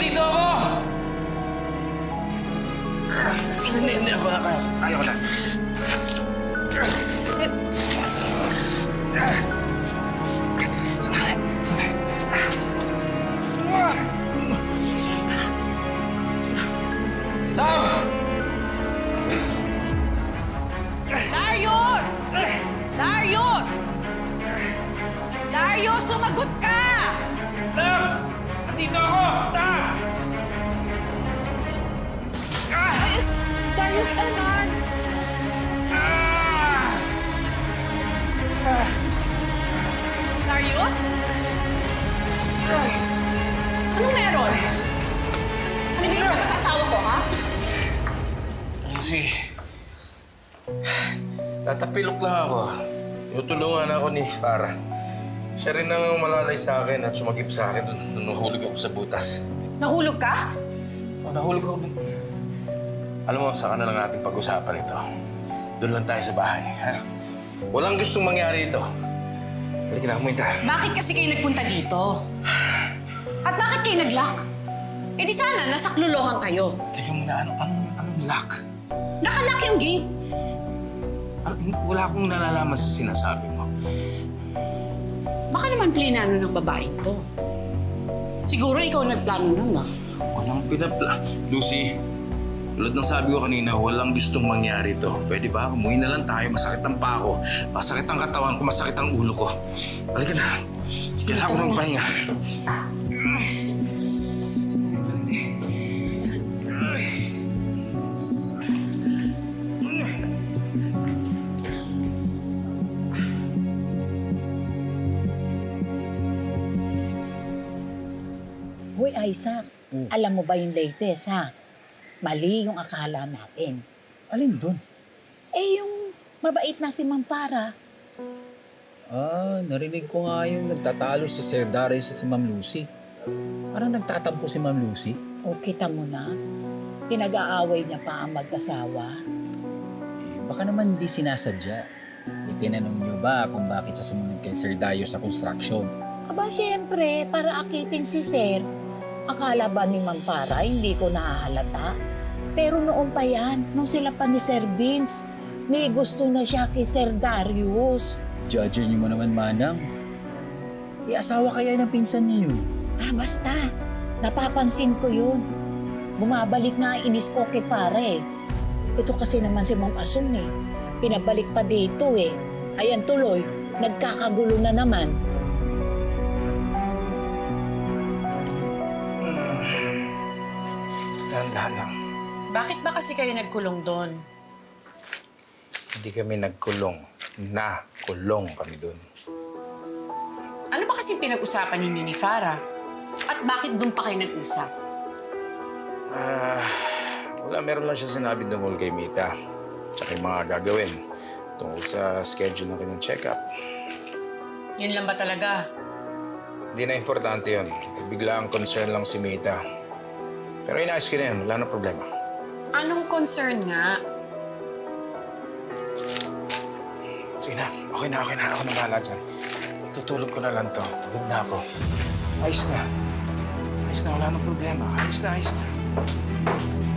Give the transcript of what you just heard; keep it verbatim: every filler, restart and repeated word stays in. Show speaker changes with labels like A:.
A: Andito ako! Hindi, hindi ako na kaya. Kaya ko na.
B: Sir,
A: Sandali, sandali. Tam!
B: Darius! Darius! Darius, sumagot ka!
A: Tam! Andito ako! Stas!
B: Ay, Darius, anak!
A: Ah!
B: Darius? Anong meron? Ano hindi mo sa asawa ko, ha?
A: Kasi... Natapilok lang ako. Tutulungan ako ni Farah. Siya rin ang malalay sa akin at sumagip sa akin nung nahulog ako sa butas.
B: Nahulog ka?
A: O, nahulog ako dun. Alam mo, saka na lang natin pag-usapan ito. Doon lang tayo sa bahay, ha? Walang gustong mangyari ito. Halika na, kumain tayo.
B: Bakit kasi kayo nagpunta dito? At bakit kayo nag-lock? Eh di sana, nasaklolohan kayo.
A: Teka muna, ano, anong, anong lock?
B: Nakalock yung gate.
A: Ano, wala akong nalalaman sa sinasabi mo.
B: Baka naman plinano ng babaeng to. Siguro ikaw nagplano nun, ah.
A: Walang pinapla... Lucy, tulad ng sabi ko kanina, walang gustong mangyari to. Pwede ba? Umuwi na lang tayo. Masakit ang paa ko. Masakit ang katawan ko. Masakit ang ulo ko. Halika na. Kailangan ko ng pahinga.
C: Hoy, Isaac, alam mo ba yung latest, ha? Mali yung akala natin.
D: Alin doon?
C: Eh, yung mabait na si Ma'am Para.
D: Ah, narinig ko nga yung nagtatalo si Sir Darius at si Ma'am Lucy. Parang nagtatampo si Ma'am Lucy.
C: O, kita mo na, pinag-aaway niya pa ang mag-asawa.
D: Eh, baka naman hindi sinasadya. Itinanong niyo ba kung bakit siya sumunod kay Sir Darius sa construction?
C: Aba, siyempre, para akitin si Sir. Akala ba ni Ma'am Para hindi ko nahahalata? Pero noon pa yan, nung sila pa ni Sir Vince, may gusto na siya kay Sir Darius.
D: Judger niyo mo naman, Manang. Eh, asawa kaya ng pinsan niya yun?
C: Ah, basta. Napapansin ko yun. Bumabalik na ang inis ko kay pare. Ito kasi naman si Ma'am Asong eh. Pinabalik pa dito eh. Ayan tuloy, nagkakagulo na naman.
A: Dahan-dahan lang.
B: Bakit ba kasi kayo nagkulong doon?
A: Hindi kami nagkulong. Nakulong kami doon.
B: Ano ba kasi pinag-usapan ninyo ni Farah? At bakit doon pa kayo nag-usap?
A: Ah, wala. Meron lang siya sinabi tungkol kay Mita. Tsaka yung mga gagawin tungkol sa schedule ng kanyang check-up.
B: Yun lang ba talaga?
A: Hindi na importante yun. Bigla ang concern lang si Mita. Pero inaayos ko na yan. Wala na problema.
B: Anong concern nga?
A: Sige na. Okay na, okay na. Ako na bahala dyan. Tutulog ko na lang to. Tugod na ako. Ayos na. Ayos na. Wala na problema. Ayos na, ayos na.